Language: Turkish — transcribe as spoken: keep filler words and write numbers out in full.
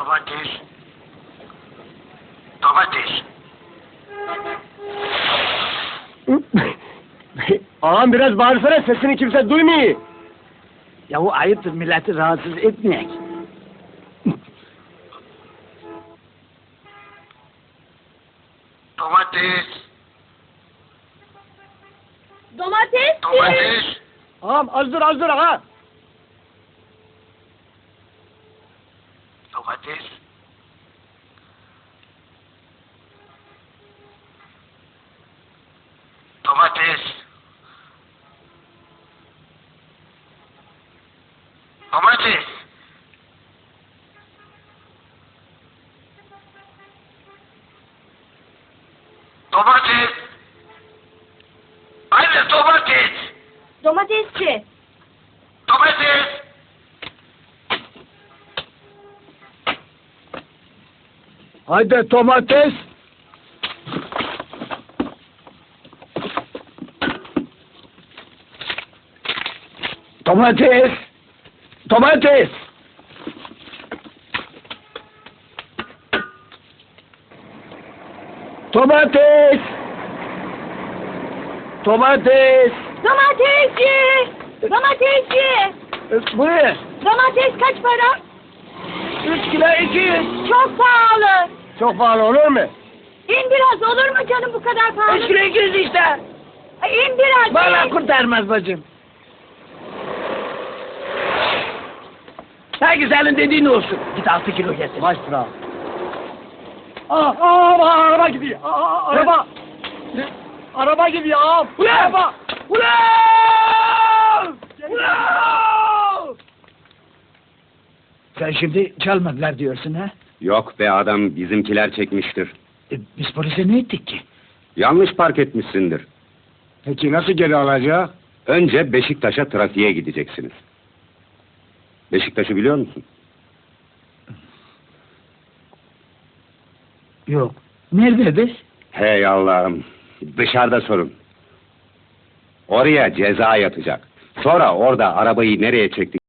Domates. Domates. Ağam biraz bağırsana, sesini kimse duymuyor. Yahu ayıptır, milleti rahatsız etmeyek. Domates. Domates. Domates. Ağam az dur az dur ağa. Domates. Domates. Domates. Domates. Anne domates. Domatesçi. Domates. Haydi domates. Domates. Domates. Domates. Domates. Domatesçi. Domatesçi. E, Buyur. Domates kaç para? Üç kilo iki yüz. Çok pahalı. Çok pahalı olur mu? İn biraz, olur mu canım bu kadar pahalı? Üç kilo iki yüz işte. Ay, İn biraz. Vallahi in. kurtarmaz bacım. Her güzelin dediğin olsun. Git altı kilo getir. Baş sıra. Aa, aa, araba gidiyor. Aa, araba. Araba gidiyor ağam. Ulan! Araba. Ulan! Ulan! Sen şimdi çalmadılar diyorsun ha? Yok be adam, bizimkiler çekmiştir. E, biz polise ne ettik ki? Yanlış park etmişsindir. Peki nasıl geri alacak? Önce Beşiktaş'a trafiğe gideceksiniz. Beşiktaş'ı biliyor musun? Yok. Nerede biz? Hey Allah'ım, dışarıda sorun. Oraya ceza yatacak. Sonra orada arabayı nereye çektik